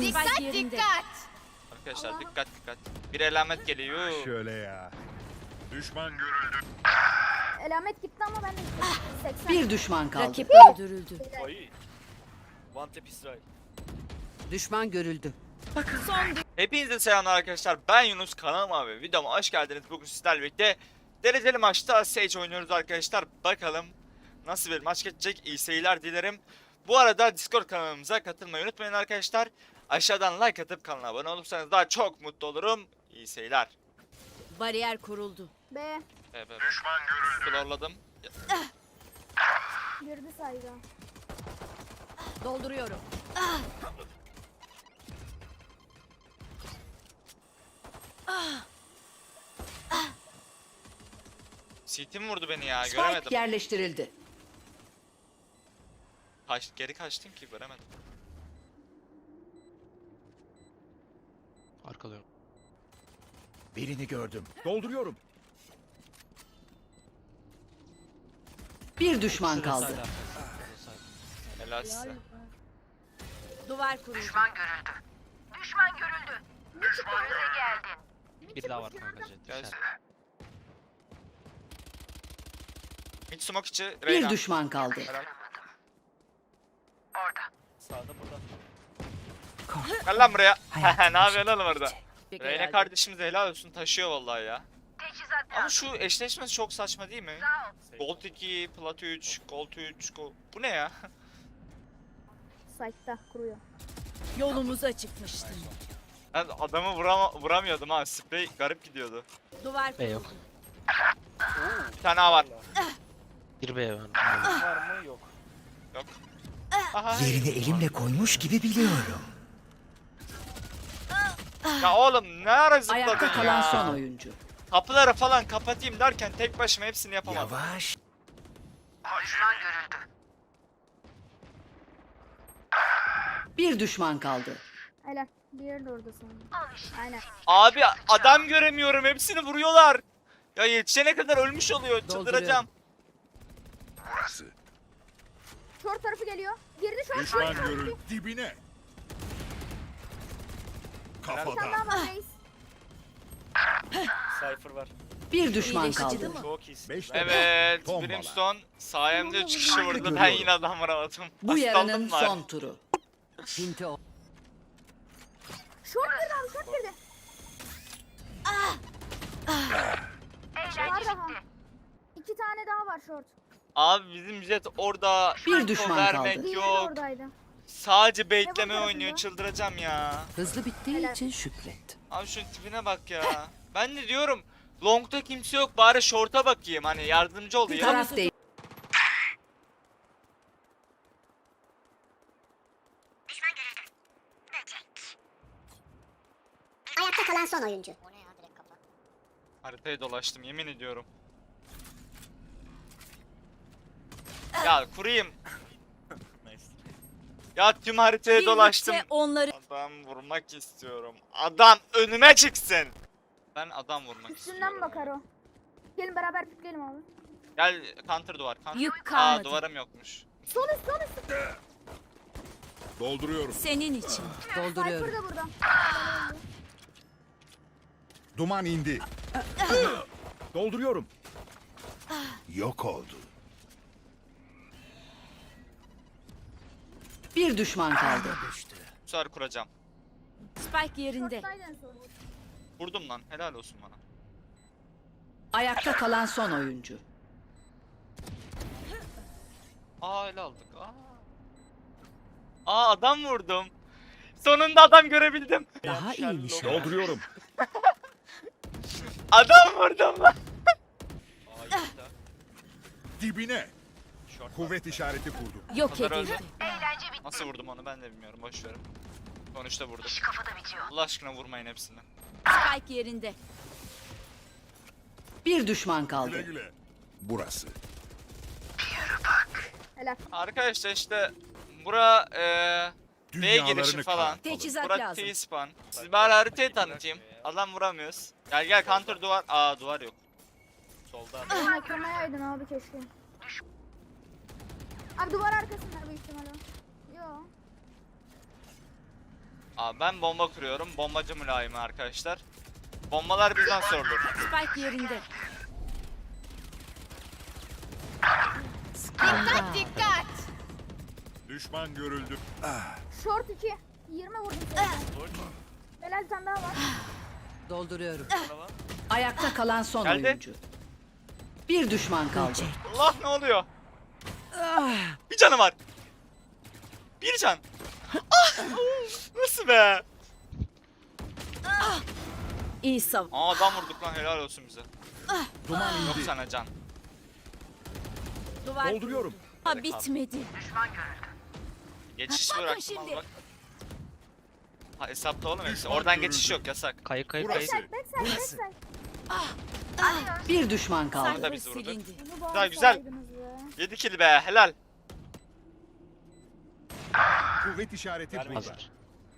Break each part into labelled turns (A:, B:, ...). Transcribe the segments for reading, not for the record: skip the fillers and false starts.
A: Dikkat dikkat.
B: Arkadaşlar dikkat dikkat. Bir alamet geliyor.
C: Şöyle ya. Düşman görüldü.
D: Elamet gitti ama ben de gittim. 80.
E: Bir düşman kaldı.
A: Rakip öldürüldü.
F: Ay. One tap İsrail.
E: Düşman görüldü.
B: Hepinize selamlar arkadaşlar. Ben Yunus, kanalıma ve videoma hoş geldiniz. Bugün sizlerle birlikte dereceli maçta Sage oynuyoruz arkadaşlar. Bakalım nasıl bir maç geçecek. İyi seyirler dilerim. Bu arada Discord kanalımıza katılmayı unutmayın arkadaşlar. Aşağıdan like atıp kanala abone olursanız daha çok mutlu olurum. İyi seyirler.
A: Bariyer kuruldu.
D: B.
B: Düşman görüldü. Florladım.
D: Girdi sayda.
A: Dolduruyorum.
B: CT'm vurdu beni ya,
E: Spike
B: göremedim.
E: yerleştirildi.
B: Geri kaçtım ki göremedim.
G: Arkalıyorum.
C: Birini gördüm. Dolduruyorum.
E: Bir düşman kaldı.
B: Helal size.
A: Duvar kuruldu.
G: Bir daha var kanka jet.
B: Gel.
G: Dışarı.
B: Mid smoke içi
E: Bir
B: Reyna.
E: düşman kaldı.
B: Helal.
F: Sağda burada.
B: Gel lan buraya. Ne yapıyorsun oğlum orada?
A: Bir
B: Reyna
A: geldi.
B: kardeşimize helal olsun, taşıyor vallahi ya. Ama şu eşleşmesi çok saçma değil mi? Gold 2, Plat 3, Gold 3, Bu ne ya?
D: Site'da kuruyor.
A: Yolumuza çıkmıştı.
B: Ben adamı vuramıyordum ha. Sprey garip gidiyordu.
A: Duvar
G: B yok.
B: Bir tane A var.
G: Bir B var.
F: Var mı? Yok.
B: Yok. Aha.
H: Yerini elimle koymuş gibi biliyorum.
B: Ya oğlum ne ara zıpladın
E: Ayakta
B: ya?
E: kalan son oyuncu.
B: Kapıları falan kapatayım derken tek başıma hepsini yapamadım.
H: Yavaş.
E: Bir düşman kaldı.
D: Helal. Diğeri de orada sanırım. Aynen.
B: Abi adam göremiyorum, hepsini vuruyorlar. Ya yetişene kadar ölmüş oluyor, çıldıracağım.
C: Burası.
D: Short tarafı geliyor. Girdi short.
C: Düşman görüldü. Dibine.
D: Bir tane
C: Kafadan.
D: daha var reis.
F: Cypher var.
E: Bir düşman
A: İyileşici
E: kaldı.
A: değil mi?
F: Çok iyisin.
C: Beşte
B: Evet,
C: Tombala.
B: Brimstone sayemde 3 kişi vurdu. Ben
C: Görüyorum.
B: yine adam vuramadım.
E: Bu
B: Hastalığım
E: yarının
B: var.
E: son turu. Pinti o.
D: Short girdi abi short girdi. Var daha. 2 tane daha var short.
B: Abi bizim jet orada
E: Bir
B: info
E: düşman
B: vermek
E: kaldı.
D: Diğeri de
B: yok.
D: oradaydı.
B: Sadece
D: Ne
B: baitleme
D: bu
B: oynuyor,
D: tarafında?
B: çıldıracağım ya.
E: Hızlı bittiği
D: Helal.
E: için şükret.
B: Abi şunun tipine bak ya. Ben de diyorum long'da kimse yok, bari short'a bakayım, hani yardımcı oluyor.
E: Taraf değil.
I: Ayakta kalan son oyuncu.
B: Haritayı dolaştım yemin ediyorum. Ya kurayım.
F: Nice.
B: Ya tüm haritayı dolaştım.
A: Birlikte onları
B: Adam vurmak istiyorum. Adam önüme çıksın. Ben adam vurmak
D: Üstünden
B: istiyorum.
D: bakar o. Gelin beraber pikleyelim abi.
B: Gel counter duvar. Counter.
A: Yük kalmadı.
B: Duvarım yokmuş.
D: Sol üst sol üst.
C: Dolduruyorum.
A: senin için.
E: Dolduruyorum.
D: Cypher da burada.
C: Duman indi. Dolduruyorum. Yok oldu.
E: Bir düşman kaldı.
B: Bu sefer kuracağım.
A: Spike yerinde.
D: Short'taydı en son.
B: Vurdum lan, helal olsun bana.
E: Ayakta kalan son oyuncu.
B: Ele aldık. Adam vurdum. Sonunda adam görebildim.
E: Daha iyi nişan.
C: Dolduruyorum.
B: Adam vurdum lan.
F: Aa yoksa.
C: Dibine.
F: Short.
C: Kuvvet işareti kurdum.
A: Yok
B: Kadar
A: edildi.
B: Nasıl vurdum onu ben de bilmiyorum, boş verin. Sonuçta vurdum. Allah aşkına vurmayın hepsini.
A: Spike yerinde.
E: Bir düşman
C: Güle
E: kaldı.
C: güle. Burası.
D: Helal.
B: Arkadaşlar işte bura B girişi
C: Dünyalarını
B: falan.
C: karartalım.
A: Teçhizat
B: Bura
A: lazım.
B: T-spawn. Siz bari haritayı tanıtayım. Adam vuramıyoruz. Gel counter duvar. Duvar yok.
F: Solda.
D: Benim ekremayaydın abi keşke. Abi duvar arkasında büyük ihtimalle. Yo.
B: Abi ben bomba kuruyorum. Bombacı mülayimi arkadaşlar. Bombalar bizden sorulur.
A: Spike yerinde.
C: Düşman görüldü.
D: Short 2. 20 vurdum sana. Helal, bir tane daha var.
E: Dolduruyorum.
F: Bana bak.
E: Ayakta kalan son
B: Geldi.
E: oyuncu. Bir düşman kaldı.
B: Allah ne oluyor? Bir canı var. Bir can. Ah! Nasıl be?
A: İyi sav.
B: Aa adam vurduk lan, helal olsun bize.
C: Duman
B: Yok
C: indi.
B: sana can.
A: Duvar
C: Dolduruyorum.
A: kuruldu. Ha bitmedi.
B: Geçiş
A: Bakın
B: bıraktım
A: şimdi.
B: bak. Ha hesapta oğlum hepsi.
C: Düşman
B: Oradan
C: görüldü.
B: geçiş yok, yasak.
G: Kayık kayık
C: Burası.
G: kayık.
D: Backside, backside.
E: Bir düşman kaldı.
B: da
A: Cypher
B: bizi vurdu.
A: silindi.
D: Bunu
B: Güzel, güzel.
D: bağırsaydınız be.
B: 7 kill be, helal.
C: Kuvvet işareti
F: Verme.
C: burada.
G: Hazır.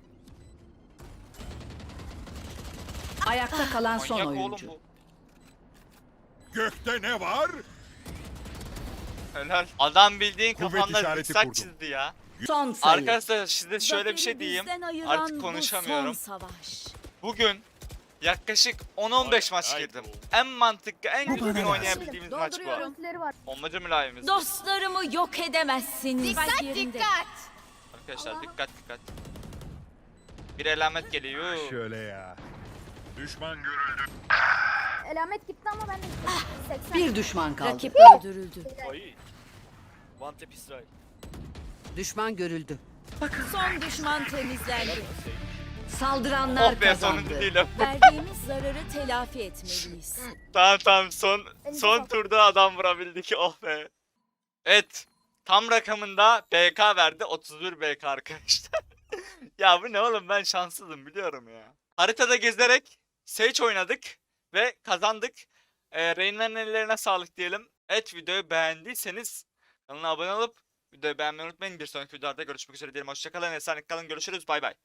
E: Ayakta kalan son
B: Manyak oğlum
E: oyuncu.
B: bu.
C: Gökte ne var?
B: Helal. Adam bildiğin
C: Kuvvet
B: kafamda
C: işareti
B: zikzak
C: kurdum.
B: çizdi ya.
E: Son sayı.
B: Arkadaşlar size şöyle bir şey
A: Zaferi
B: diyeyim.
A: bizden ayıran
B: Artık konuşamıyorum.
A: Bu son savaş.
B: Bugün yaklaşık 10-15 maç
F: Ay,
B: girdim.
F: ay.
B: En mantıklı, en
H: Bu
B: düzgün
H: bana
B: oynayabildiğimiz maç bu.
A: Dolduruyorum.
D: Ultileri var.
B: Bombacı mülayimiz.
A: Dostlarımı yok edemezsiniz. Spike yerinde.
B: Arkadaşlar dikkat dikkat. Bir alamet geliyor.
C: Şöyle ya. Düşman görüldü.
D: Elamet gitti ama ben de gittim. 80.
E: Bir düşman kaldı.
A: Rakip öldürüldü.
F: Ay. One tap Israel.
E: Düşman görüldü.
A: Son düşman temizlendi.
E: Saldıranlar
B: Oh be, sonuncu
E: kazandı.
B: değilim.
A: Verdiğimiz zararı telafi etmeliyiz.
B: Tamam son
D: Elinize sağlık.
B: turda adam vurabildik, oh be. Evet. Tam rakamında BK verdi, 31 BK arkadaşlar. Ya bu ne oğlum, ben şanssızım biliyorum ya. Haritada gezerek Sage oynadık ve kazandık. Reyna'nın ellerine sağlık diyelim. Evet, videoyu beğendiyseniz kanala abone olup videoyu beğenmeyi unutmayın. Bir sonraki videolarda görüşmek üzere diyelim. Hoşçakalın, esenlik kalın, görüşürüz, bay bay.